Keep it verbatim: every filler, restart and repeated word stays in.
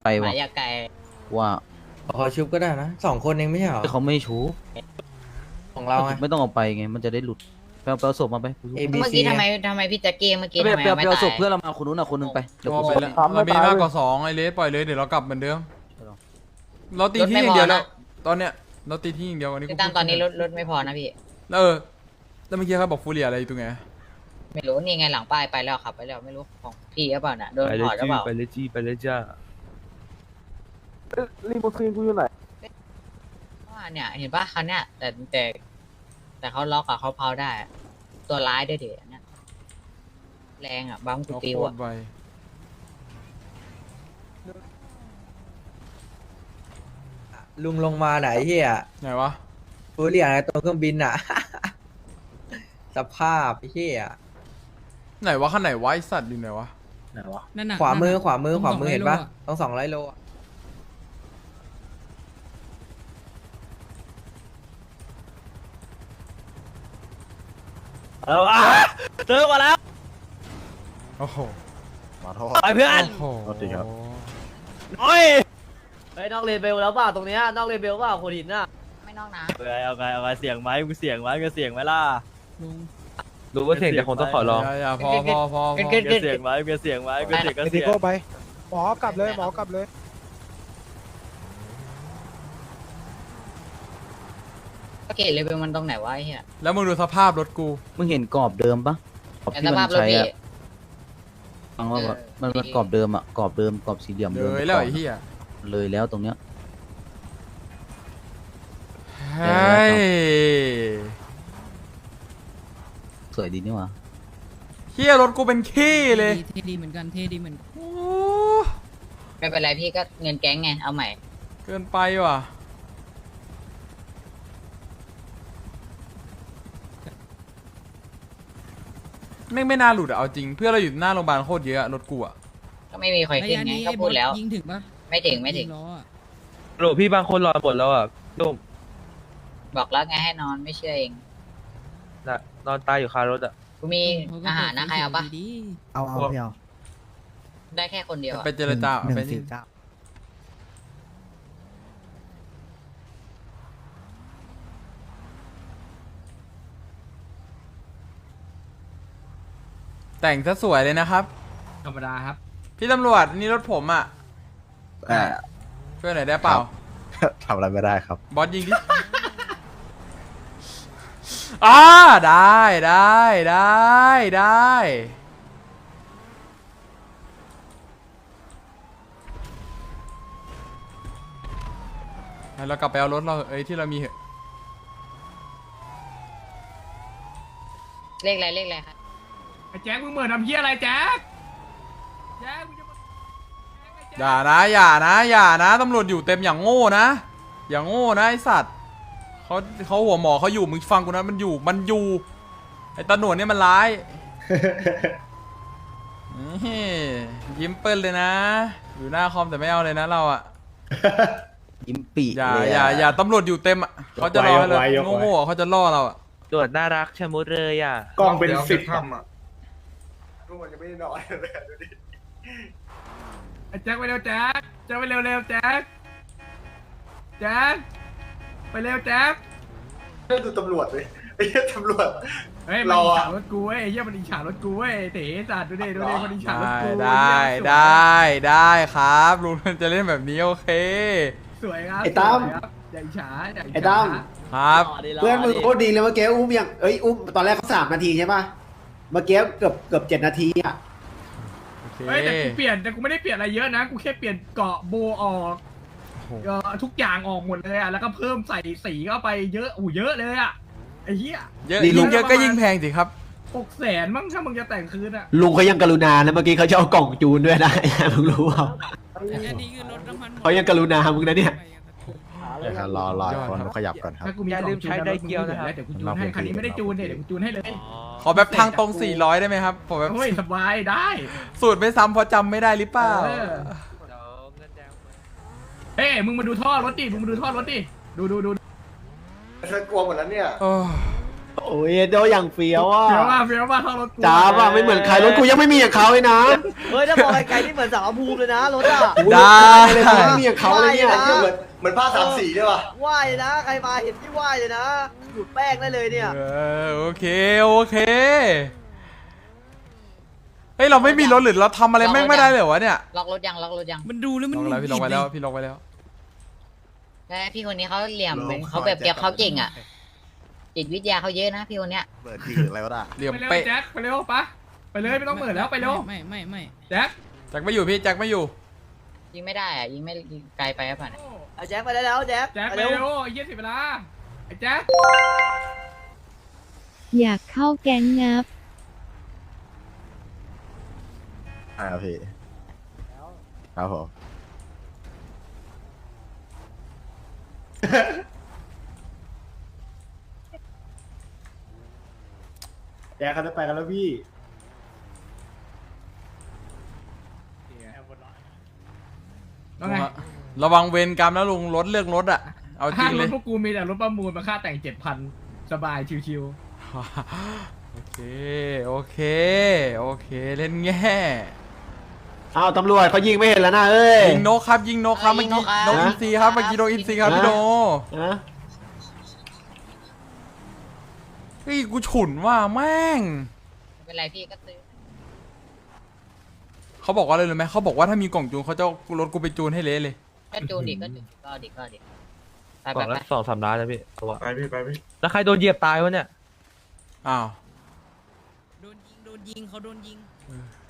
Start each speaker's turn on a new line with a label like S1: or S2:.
S1: ไป
S2: ห
S1: วะ
S2: มายาไก่
S1: ว่า
S3: ขอชุบก็ได้นะสองคนเองไม่ใช่เหรอ
S1: เขาไม่ชู
S3: ของเราไง
S1: ไม่ต้องเอาไปไงมันจะได้หลุดไปเอาไปเอาศพมาไป
S3: A B
S2: เมื่อ
S3: C
S2: กี้ทำไมทำไมพี่แจ็คกี้เมื่อกี้
S1: ไป
S2: ทำไม
S1: ไปเอา
S2: ไม่
S1: ไปเอา
S2: ตา
S1: ศพ
S2: ย
S1: เพื่อนเรามาคนนู้นอ่ะคนนึงไปเดี๋ยว
S4: ก็
S1: กู
S4: ไป
S1: ส่ง
S4: แล้วเรามีมากกว่าสองไอเลสปล่อยเลยเดี๋ยวเรากลับเหมือนเดิมเราตีที่อย่างเดียวแล้วตอนเนี้ยเราตีที่อย่างเดียววันนี้
S2: พี่ตั้มตอนนี้รถรถไม่พอนะพี่
S4: แล้วเออแล้วเมื่อกี้เขาบอกฟูเรียอะไรอยู่ตรงไหน
S2: ไม่รู้นี่ไงหลังป้ายไปแล้วขับไปแล้วไม่รู้ของพี่หรือเปล่าน่ะโดนถอดหรือเปล่า
S5: ไปเลยจี้ไปเลยจ้า
S6: รีโมทซีนกูอยู่ไหน
S2: ว่าเนี่ยเห็นปะคันเนี้ยแต่แต่แต่เขาล็อกอะเขาเพาได้อะตัวร้ายด้วยเดี๋ยวเนี่ยแรงอะบัมกู
S4: เรา
S2: ปิว
S4: โค
S2: อะ
S4: ตรไว
S3: ลุงลงมาไหนเฮีย
S4: ไหนวะ
S3: ฟูเรียอะไรตัวเครื่องบินอ่ะ สภาพเฮีย
S4: ไหนวะข้างไหนวะไอสัตว์อยู่ไหนวะ
S3: ไหนวะ
S7: นั่นน่ะ
S3: ขวามือ
S7: นั่นน่ะ
S3: ขวามือ
S7: ต้ง
S3: ขวามือ
S7: สง
S3: เห็น
S7: ไร่
S3: ปะ
S7: โลอะ
S3: ต้องสองร้อยโลอะ
S5: เอาอ่ะเจอมาแล้ว
S4: โอ้โห
S5: ไปเพื่อน
S4: โอ้โห
S5: น้อยไปนอกเลนเบลแล้วป่ะตรงเนี้ยนอกเลนเบลป่ะโคดินน่ะ
S2: ไม่นอกนะ
S5: เอาไงเอาไงเอาไงเสียงไหมมึงเสียงไหมมึงเสียงไหมล่ะ
S7: ลุง
S5: รู้ว่าเสียงแต่คงต้องขอร้อง
S4: อย่าอย่าพอพอพอพอ
S5: มึงเสียงไหมมึงเสียงไหมมึงเสียงก็
S6: ไอ
S5: เสี
S6: ติ
S5: ยง
S6: โก้ไป หมอกลับเลย หมอกลับเลย
S2: เกตเลยเป็นมันตรงไหนวะไอ้เหี้ย
S4: แล้วมึงดูสภาพรถกู
S1: มึงเห็นกรอบเดิมปะกรอบ
S2: แต่
S1: ที่
S2: ส
S1: มั
S2: ภาพ
S1: น
S2: รถ
S1: ใช้
S2: พี่
S1: อะฟังว่าแบบมันมันกรอบเดิมอะกรอบเดิมกรอบสี่เหลี่ยม
S4: เล
S1: เดิม
S4: ยแล้วไอ้เหี้ย
S1: เลยแล้วตรงเนี้ย
S4: เฮ้ย
S1: สวยดีนี่หว่า
S4: เหี้ยรถกูเป็นขี้เลย
S7: เท่ดีเหมือนกันเท่ดีเหมือนกัน
S4: โอ้
S2: ไม่เป็นไรพี่ก็เงินแก๊งไงเอาใหม่
S4: เกินไปว่ะแม่งไม่น่าหลุดอะเอาจริงเพื่อนเราอยู่หน้าโรงพยาบาลโคตรเยอะอะรถกูอะ
S2: ก็ไม่มีใครขึ้นไงก็พูดแล้ว
S7: ยิงถึงปะ
S2: ไม่ถึงไม่ถึง
S7: ยิล้ออะ
S5: โหลพี่บางคนรอหมดแล้วอ่ะลูก
S2: บอกแล้วไงให้นอนไม่เชื่อเอง
S5: น่ะนอนตายอยู่คารถอ่ะ
S2: กูมี
S7: เขาก็
S2: อาหารนะใครเอาปะ
S7: ดี
S6: เอาเอาพี่เอา
S2: ได้แค่คนเดียวอะ
S4: ไปเจรจา
S6: หนึ่ง
S4: ไป
S6: สี่เก้า
S4: แต่งซะสวยเลยนะครับ
S7: ธรรมดาครับ
S4: พี่ตำรวจนี่รถผมอะ
S8: อ่า
S4: ช่วยหน่อยได้เปล่า
S8: ทำอะไรไม่ได้ครับ
S4: บอสยิงดิ อ่าได้ได้ได้ได้งั้นเรากลับไปเอารถเราเอ้ยที่เรามีเหอะ
S2: เลขอะไรเลขอะไรครับ
S7: ไอ้แจ็คมึงเหมือนทำเหี้ยอะไรแจ็คแจ็คมึงจะมา
S4: อย่านะอย่านะอย่านะตำรวจอยู่เต็มอย่างโง่นะอย่างโง่นะไอสัตว์เขาเขาหัวหมอเขาอยู่มึงฟังกูนะมันอยู่มันอยู่ไอตาหนวดเนี่ยมันร้าย นี่ยิ้มเปิ้ลเลยนะ อยู่หน้าคอมแต่ไม่เอาเลยนะเราอะ
S1: ยิ้มปี
S4: อย่า
S1: เลย
S4: อย่าอย่าตำรวจอยู่เต็มอะเขาจะรอเลยโง่ๆเขาจะล่อเราอะ
S5: ตรวจน่ารักชะมุดเลยอ่ะ
S8: กล้องเป็นสิบ
S7: ไอ้แจ็คไปเร็วแจ็คแจ็คไปเร็วเร็วแจ็คแจ็คไปเร็วแจ็ค
S8: ดูตำรวจเลยไอ้ตำรวจ
S7: เฮ้ยมันอิจฉารถกูเว้ยไอ้เหี้ยมันอิจฉารถกูเว้ยเต๋สัตว์ดูดิดูดิมันอิจฉารถ
S4: ได้
S7: กู
S4: ได้ได้ได้ครับลุงจะเล่นแบบนี้โอเค
S7: สวยครับ
S6: ไอ้ตั้ม
S7: สวยครับอย่าอิจฉาอย่าอิจฉา
S6: ไอ้ตั้ม
S4: ครับ
S6: เพื่อนมึงโคตรดีเลยเมื่อกี้อุ้มยังเอ้ยอุ้มตอนแรกเขาสามนาทีใช่ป่ะ เมื่อกี้เกือบเกือบเจ็ดนาทีอ่ะ
S4: โอเค
S7: เฮ้ยแต่กูเปลี่ยนแต่กูไม่ได้เปลี่ยนอะไรเยอะนะกูแค่เปลี่ยนเกาะโบออก
S4: โอ้โห
S7: เอ่อทุกอย่างออกหมดเลยอ่ะแล้วก็เพิ่มใส่สีเข้าไปเยอะอู้เยอะเลยอ่ะไอ้เหี้ย
S4: เยอะ
S6: นี่ลุ
S4: ยิ่
S6: ง
S4: งเยอะก็ยิ่งแพงสิครับ
S7: หกแสนมั้งถ้ามึงจะแต่งคืนอ่ะ
S6: ลุงเขายังกรุณานะเมื่อกี้เขาจะเอากล่องจูนด้วยนะ มึงรู้เปล่า
S7: อันนี้คือรถน้ำมัน
S6: เขายังกรุณามึงนะเนี่ย
S8: เดี๋ยวครับรอรอคนขยับก่อนครับ
S7: ถ้ากูมี
S5: อย่าลืมใช้ไดเกียวนะครับ
S7: เดี๋ยวกูจูนให้คันนี้ไม่ได้จูนเนี่ยเดี๋ยวกูจูนให้เลย
S4: ขอแบบทางตรงสี่ร้อยได้ไหมครับผมแบบ
S7: โอ้ยสบายได้
S4: สูตรไม่ซ้ำเพราะจำไม่ได้หรือเปล่า
S7: เออ เอ้ยมึงมาดูท่อรถดิมึงมาดูท่อรถดิดูดูดู
S8: ฉันกลัวหมดแล้วเนี่ย
S4: โอ้
S6: โอ้ยโดอย่างเฟี้ยวอ่ะ
S7: เฟี้ยวมากเฟี้ยวมากเข้ารถกู
S6: จ้าป่ะไม่เหมือนใครรถกูยังไม่มีอย่างเขาเลยนะ
S5: เฮ้ยถ้ามองไกลๆนี่เหมือนสาวภูมิเลยนะรถอ่ะ
S4: ได้
S6: เลยไม่มีอย่างเขาเลยเนี่ย
S5: ว่ายนะ
S8: เหมือนเหมือนผ้าสามสีด้วยว่ะ
S5: ไหว้เลยนะใครมาเห็นที่ไหว้เลยนะหยุดแป้งได้เลยเนี่ย
S4: เออโอเคโอเคเฮ้ยเราไม่มีรถหรือเราทำอะไรแม่งไม่ได้เลยวะเนี่ย
S2: ล็อกรถยังล็อกรถยัง
S1: มันดูแล้วมัน
S4: ลองแล้วพี่ลองไปแล้วพี่ลองไปแล้ว
S2: แต่พี่คนนี้เขาเหลี่ยมเป็นเขาแบบเปียกเขาเก่งอ่ะจิตวิทยาเขาเยอะนะพี่คนเนี้ย
S8: เปิดทีอะไรวะน่ะ
S4: เหลี่ยม
S7: ไปเร็ว
S4: เป๊ะ
S7: แจ็คไปเร็วปะไปเลยไม่ต้องเปิดแล้วไปเร็ว
S1: ไม่ไม่ไม่
S7: แจ็ค
S4: แจ็คไม่อยู่พี่แจ็คไม่อยู่
S2: ยิงไม่ได้อ่ะยิงไม่ยิงไกลไปครับผ่าน
S5: เอาแจ็คไปได้แล้วแจ็ค
S7: แจ็ค
S5: ไป
S7: ไป
S5: เร็ว
S7: เร็วไอ้เหี้ยเสิเวลาไอ้แจ็ค
S9: อยากเข้าแก๊งงับ
S8: อ่าพี่ครับผม
S6: แจ๊คเขาจะไปกันแล้วพี่
S7: แล้วไง
S4: ระวังเวรกรรมนะลุงรถเลือกรถอะเอาจริ
S7: ห้าง ง
S4: เล
S7: รถ
S4: ย
S7: พวกกูมีแต่รถประมูลมาค่าแต่งเจ็ดพันสบายชิว
S4: โอเคโอเคโอเคเล่นแง่
S6: อ้าวตำรวจเขายิงไม่เห็นแล้วนะเอ้ย
S4: ยิงนกครับยิงนกครับเมื่อกี้นกอินทรีครับเมื่อกี้นกอินทรีครับพี่โด
S6: นะ
S4: เฮ้ยกูฉุนว่าแม่ง
S2: ไม่เป็นไรพี่ก็ซื้อ
S4: เขาบอกว่าอะไรรู้ไหมเขาบอกว่าถ้ามีกล่องจูนเขาจะเอารถกูไปจูนให้เละเลย
S2: ก็จูนดิก็จูนก็ดิก็ดิไป
S5: ก
S2: ไป
S5: ล่อง
S2: ไป
S5: ละสองสามล้านนะพี่ตัว
S8: ไปพี่ไปพี่
S5: แล้วใครโดนเหยียบตายวะเนี่ย
S4: อ้าว
S1: โดนยิงโดนยิงเขาโดนยิง
S4: เออ